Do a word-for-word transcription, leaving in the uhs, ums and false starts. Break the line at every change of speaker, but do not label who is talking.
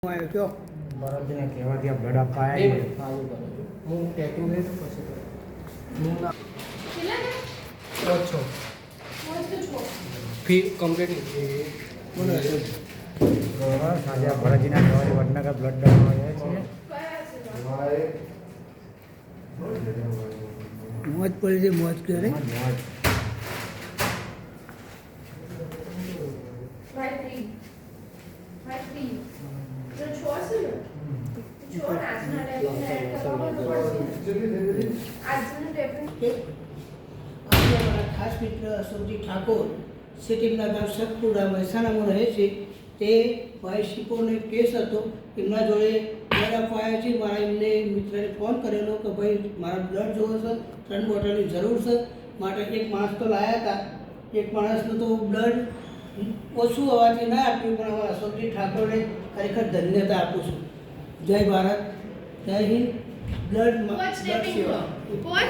આવ્યો કયો
ભરતજીને કહેવા ત્યાં બ્લડ આપવા
બે
આવ્યા
મિનિટ ચાલુ કરો છો. હું ટેટુ લઈ તો પછી કરું. હું ના ઓછો ફી કમ્પ્લીટ બોલો
તો આજે આ ભરતજીના કહેવાથી વડનગર બ્લડ આપવા આવ્યા છીએ
મોજ પડી છે મોજ કરે
આજે અમારા ખાસ મિત્ર અશોકજી ઠાકોર સિટીના ગામ સતપુરા મહેસાણામાં રહે છે. તે ભાઈ શિકોનો એક કેસ હતો, એમના જોડે બ્લડ આપવા આવ્યા છે. મારા એમને મિત્રને ફોન કરેલો કે ભાઈ મારા બ્લડ જોવો છે, ત્રણ બોટલની જરૂર છે, માટે એક માણસ તો લાવ્યા હતા. એક માણસનું તો બ્લડ ઓછું હોવાથી ના આપ્યું, પણ અમારા અશોકજી ઠાકોરને ખરેખર ધન્યતા આપું છું. જય ભારત, જય હિન્દ. બ્લડ બ્લડ સેવા.